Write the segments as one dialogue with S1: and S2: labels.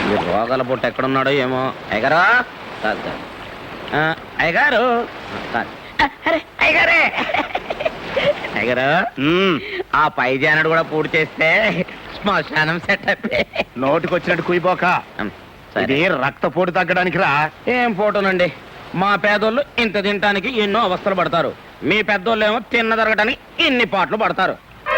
S1: ఈ రోగాల పుట్ట ఎక్కడున్నాడో ఏమో. అయ్యగారు కాదు అయ్యగారు అయ్యగారే అయ్యగారు, ఆ పై జానడు కూడా పూర్తి చేస్తే శ్మశానం సెటప్.
S2: నోటికి వచ్చినట్టు కుయిపోక, ఇది రక్తపోటు తగ్గడానికి రా.
S1: ఏం ఫోటోనండి, మా పేదోళ్ళు ఇంత తినటానికి ఎన్నో అవస్థలు పడతారు, మీ పెద్దోళ్ళు ఏమో తిన్న జరగటానికి ఇన్ని పాటలు పడతారు.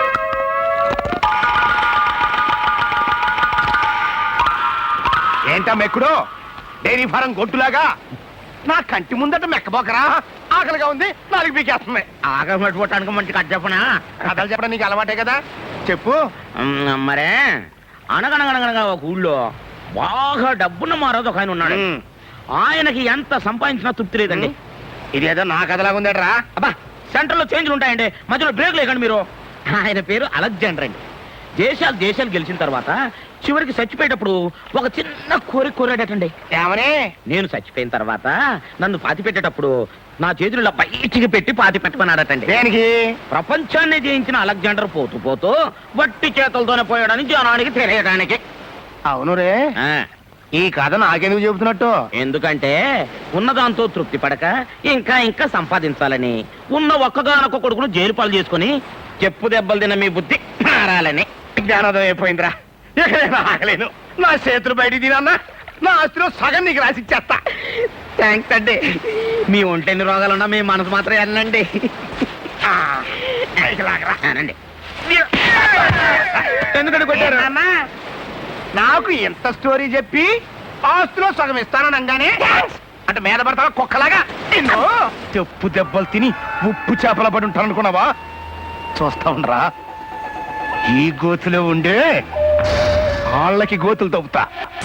S2: ఏంటా మెక్కుడు, డైరీ ఫారం గొట్టులాగా నా కంటి ముందట మెక్కబోకరా. ఆకలిగా ఉంది, నాలుగు పీకేస్తుంది.
S1: ఆకలి పట్టుకోవటానికి మంచి కథ చెప్పనా?
S2: కథలు చెప్పడం నీకు అలవాటే కదా, చెప్పు.
S1: మరే అనగనగనగనగా ఒక ఊళ్ళో బాగా డబ్బున్న మారోజు ఒక ఆయన ఉన్నాడు. ఆయనకి ఎంత సంపాదించినా తృప్తి లేదండి.
S2: ఇదేదో నా కథలాగా ఉందట్రా.
S1: అబ్బా, సెంటర్లో చేంజ్లు ఉంటాయండి, మధ్యలో బ్రేక్ లేకండి మీరు. ఆయన పేరు అలెగ్జాండర్ అండి. దేశాలు గెలిచిన తర్వాత చివరికి చచ్చిపోయేటప్పుడు ఒక చిన్న కోరాడటండి.
S2: ఏమని?
S1: నేను చచ్చిపోయిన తర్వాత నన్ను పాతి పెట్టేటప్పుడు నా చేతుల్లో బయటికి పెట్టి పాతి పెట్టమన్నాడటండి.
S2: దేనికి?
S1: ప్రపంచాన్ని జయించిన అలెగ్జాండర్ పోతూ పోతూ వట్టి చేతులతోనే పోయాడని జనానికి తెలియడానికి.
S2: అవును రే, ఈ కథ నాకెందుకు చెబుతున్నట్టు?
S1: ఎందుకంటే ఉన్నదాంతో తృప్తి పడక ఇంకా ఇంకా సంపాదించాలని, ఉన్న ఒక్కగానొక్క కొడుకును జైలు పాలు చేసుకుని చెప్పు దెబ్బలు తిన్న మీ బుద్ధి మారాలని.
S2: జ్ఞానోదయం అయిపోయిందిరా. ఆగలేను, నా చేతులు బయట తినన్నా నా ఆస్తిలో సగం నీకు రాసిచ్చేస్తా.
S1: థ్యాంక్స్ అండి. మీ ఒంటెన్ని రోగాలున్నా మీ మనసు మాత్రం వెళ్ళండి.
S2: ఎందుకంటే కొట్టారు అన్నా? నాకు ఎంత స్టోరీ చెప్పి ఆస్తిలో సగం ఇస్తానని అనగానే అంటే మీద పడతావా కుక్కలాగా? చెప్పు దెబ్బలు తిని ఉప్పు చేపల పడి ఉంటాను అనుకున్నావా? చూస్తా ఉండరా, ఈ గోతులో ఉండే వాళ్ళకి గోతులు తవ్వుతా.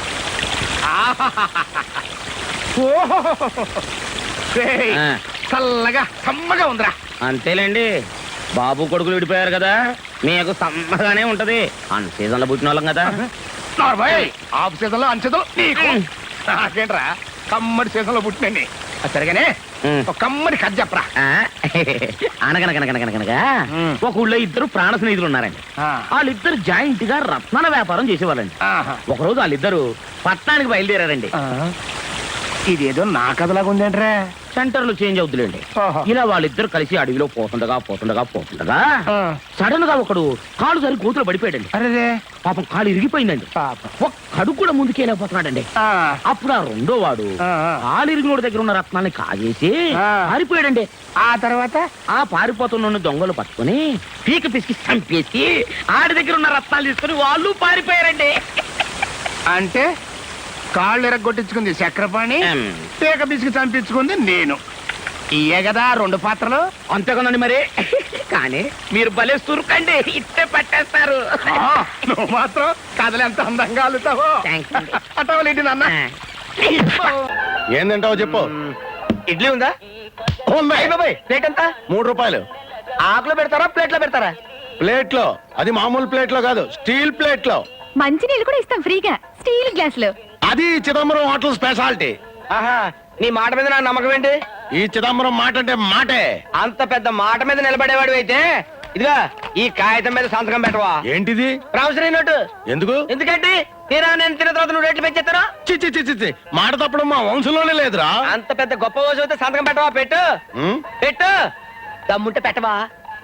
S2: చల్లగా సమ్మగా ఉందిరా.
S1: అంతేలేండి, బాబు కొడుకులు విడిపోయారు కదా, మీకు సమ్మగానే ఉంటది. అన్ సీజన్ లో పుట్టిన వాళ్ళం కదా.
S2: ఆఫ్ సీజన్ లో అన్ సీజన్ నీకు నాకేంట్రా, కమ్మడి సీజన్ లో పుట్టినండి. సరిగానే ఒక కమ్మడి కథ చెప్పరా.
S1: అనగనగనగనగనగా ఒక ఊళ్ళో ఇద్దరు ప్రాణ స్నేహితులు ఉన్నారండి. వాళ్ళిద్దరు జాయింట్ గా రత్నాల వ్యాపారం చేసేవాళ్ళండి. ఒకరోజు వాళ్ళిద్దరు పట్టణానికి బయలుదేరారండి.
S2: ఇదేదో నా కథలాగా ఉందేంట్రా.
S1: సెంటర్లు చేంజ్ అవుతులేండి. ఇలా వాళ్ళిద్దరు కలిసి అడవిలో పోతుండగా సడన్ గా ఒకడు కాలు సరి గోతులు పడిపోయాడండి.
S2: అరే
S1: పాపం కాలు ఇరిగిపోయిందండి. ఒక్కడు కూడా ముందుకెళ్ళిపోతున్నాడండి. అప్పుడు ఆ రెండో వాడు కాలు ఇరిగినోడి దగ్గర ఉన్న రత్నాన్ని కాజేసి పారిపోయాడండి.
S2: ఆ తర్వాత
S1: ఆ పారిపోతున్న దొంగలు పట్టుకుని పీక పిసికి చంపేసి ఆడి దగ్గర ఉన్న రత్నాలు తీసుకుని వాళ్ళు పారిపోయారండి.
S2: అంటే కాళ్ళు ఎరగొట్టించుకుంది చక్రపాణి, పీక పిసికి చంపించుకుంది నేను. ఇయే కదా రెండు పాత్రలు.
S1: అంతేకదండి మరి. కానీ మీరు భలే సురుకండి, ఇట్టే పట్టేస్తారు.
S2: నువ్వు మాత్రం కథలు ఎంత అందంగా అల్లుతావో. అటవలేంటి నాన్న. ఏందంటావు చెప్పు.
S1: ఇడ్లీ ఉందా?
S2: బాబాయ్
S1: ప్లేట్ ఎంత?
S2: 3 రూపాయలు.
S1: ఆకులో పెడతారా ప్లేట్లో పెడతారా?
S2: ప్లేట్ లో. అది మామూలు ప్లేట్ లో కాదు, స్టీల్ ప్లేట్ లో.
S3: మంచి నీళ్ళు కూడా ఇస్తాం ఫ్రీగా, స్టీల్ గ్లాస్ లో.
S2: అది చిదంబరం హోటల్ స్పెషాలిటీ.
S1: ఆహా, నీ మాట మీద నా నమ్మకం ఏంటి?
S2: ఈ చిదంబరం మాట అంటే మాటే.
S1: అంత పెద్ద మాట మీద నిలబడేవాడు అయితే ఇదిగా ఈ కాగితం మీద సంతకం పెట్టవా?
S2: ఏంటిది?
S1: Promissory note.
S2: ఎందుకు?
S1: ఎందుకంటే తీరా నేను తిన్న తర్వాత నువ్వు రేట్లు పెంచేస్తారా?
S2: చి మాట తప్పడం మా వంశంలోనే లేదురా.
S1: అంత పెద్ద గొప్ప రోజు అయితే సంతకం పెట్టవా? పెట్టు పెట్టు, దమ్ముంటే పెట్టవా?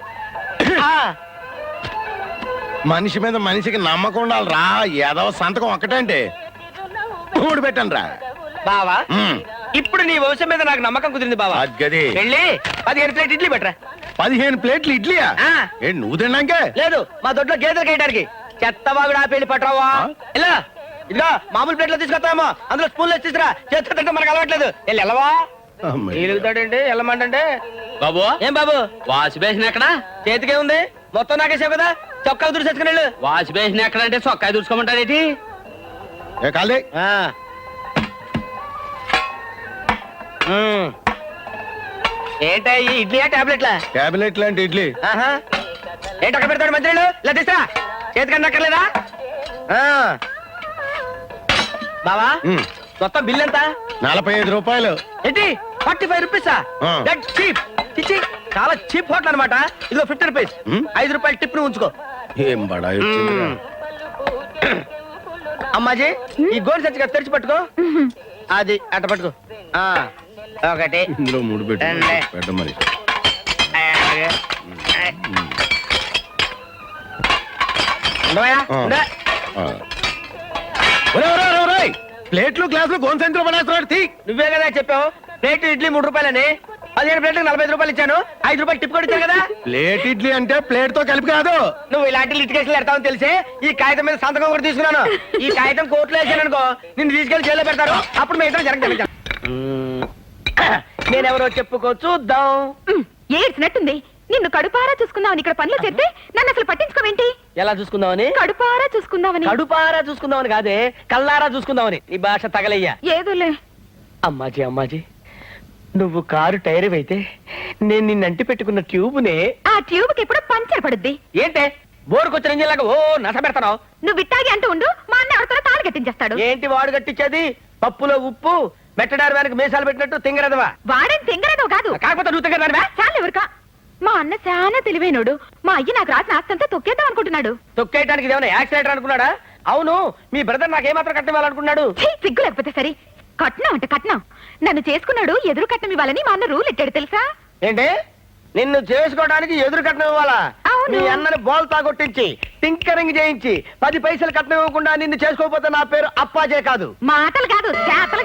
S2: మనిషి మీద మనిషికి నమ్మకం ఉండాలిరా. ఏదో సంతకం ఒక్కటంటే 3 పెట్టండి రా
S1: బావా. ఇప్పుడు నీ వంశం మీద నాకు నమ్మకం కుదిరింది బావా.
S2: గది
S1: వెళ్ళి 15 ప్లేట్ ఇడ్లీ పెట్టరా.
S2: 15 ప్లేట్లు ఇడ్లీయా? ఏంటి నువ్వు తిన్నాకే?
S1: లేదు, మా దొడ్లో గేదెలు కేయడానికి. చెత్తవాగుడు ఆపేళ్ళి పట్టరావా? ఇలా ఇదిగా మామూలు ప్లేట్లో తీసుకొస్తామో, అందులో స్పూన్లో తీసుకురా. చేతితో తింటే మనకు అలవాట్లేదు. వెళ్ళి వెళ్ళవా? ఎలుగుతాడండి వెళ్ళమంటే. బాబు ఏం బాబు, వాష్ బేసిన్ ఎక్కడ? చేతికే ఉంది, మొత్తం నాకేసావు కదా. చొక్కా దుడిసేసుకుని వెళ్ళు. వాష్ బేసిన్ ఎక్కడ అంటే చొక్కా దుడుచుకోమంటారేటి? ఏంటా ఈ ఇడ్లీయా టాబ్లెట్లా?
S2: టాబ్లెట్ లాంటి ఇడ్లీ.
S1: ఏంటి అక్కడ పెడతాడు మంత్రులు? ఇలా తీసా చేతికన్నా అక్కర్లేదా? బావా మొత్తం బిల్ ఎంత?
S2: 45 రూపాయలు.
S1: ఏంటి 45 రూపీసా? చీప్. చిచ్చి, చాలా చీప్ హోటల్ అనమాట. ఇదిగో 50 రూపీస్. 5 రూపాయలు టిప్ ను ఉంచుకో.
S2: ఏం బడా
S1: అమ్మాజీ ఈ గోల్ సచ్చిగా తెరిచి పట్టుకో అది అట్ట పట్టుకో ఆ, ఒకటి
S4: ఇందులో 3 పెట్టు
S1: రెండే.
S4: పెట్ట మరి
S1: ఉండవయ్యా?
S4: ఆ.
S1: ఉండే.
S4: ఆ. ఒరేయ్, ఒరేయ్, ఒరేయ్, ఒరేయ్! ప్లేట్లు గ్లాసులు గోన్సెంట్లో పడేస్తున్నాడు తీ
S1: నువ్వే కదా చెప్పావు ప్లేట్ ఇడ్లీ 3 రూపాయలని 15 ప్లేట్లకు 45 రూపాయలు ఇచ్చాను 5 రూపాయలు టిప్ కూడా ఇచ్చాను కదా
S4: ప్లేట్ ఇడ్లీ అంటే ప్లేట్ తో కలిపి కాదు
S1: నువ్వు ఇలాంటి లిటికేషన్ పెడతావని తెలిసే ఈ కాగితం మీద సంతకం కూడా తీసుకున్నాను ఈ కాగితం కోర్టులో వేసాను అనుకో నిన్ను తీసుకెళ్లి జైల్లో పెడతారు అప్పుడు మిగతా జరగదు నేనెవరో చెప్పుకో చూద్దాం
S3: ఏడ్చినట్టుంది నిన్ను కడుపారా చూసుకుందామని ఇక్కడ పనులు చేస్తే నన్ను అసలు పట్టించుకోవేంటి
S1: ఎలా చూసుకుందామని
S3: కడుపారా చూసుకుందామని
S1: కడుపారా చూసుకుందామని కాదే కల్లారా చూసుకుందామని నీ భాష తగలయ్యా
S3: ఏదోలే
S1: అమ్మాజీ అమ్మాజీ నువ్వు కారు టైర్ అయితే నేను నిన్నంటి పెట్టుకున్న ట్యూబ్నే
S3: ఆ ట్యూబ్ కి ఎప్పుడు పంచర్ పడుద్ది
S1: ఏంటే బోరుకొచ్చిన ఇంజిన్ లాగా ఓ నస పెడతావు
S3: నువ్వు విట్టాగి అంటూ ఉండు మా అన్న ఎవరితో తాళి కట్టించేస్తాడు
S1: ఏంటి వాడు కట్టించేది పప్పులో ఉప్పు మెట్టడారి వెనక మీసాలు పెట్టినట్టు తింగరదవా
S3: వాడేం తింగరదో కాదు
S1: కాకపోతే నువ్వు తింగరదానివా
S3: చాలు ఎవరికా మా అన్న చాలా తెలివైనోడు మా అయ్య నాకు రాసిన ఆస్తంతా తొక్కేద్దాం అనుకుంటున్నాడు
S1: తొక్కేయడానికి ఇదేమన్నా యాక్సిడెంట్ అనుకున్నాడా అవును మీ బ్రదర్ నాకేమాత్రం కట్టివ్వాలనుకున్నాడు
S3: ఛీ, సిగ్గు లేకపోతే సరే కట్నం అంటే కట్నం నన్ను చేసుకున్నాడు ఎదురు కట్నం ఇవ్వాలని మా అన్న రూల్ ఎట్టాడు తెలుసా
S1: ఏంటి నిన్ను చేసుకోవడానికి ఎదురు కట్నం ఇవ్వాలా
S3: అవును.
S1: మీ అన్నని బోల్తా కొట్టించి టింకరింగ్ చేయించి 10 పైసలు కట్నం ఇవ్వకుండా నిన్ను చేసుకోకపోతే నా పేరు అప్పాజే కాదు
S3: మాటలు కాదు చేతలు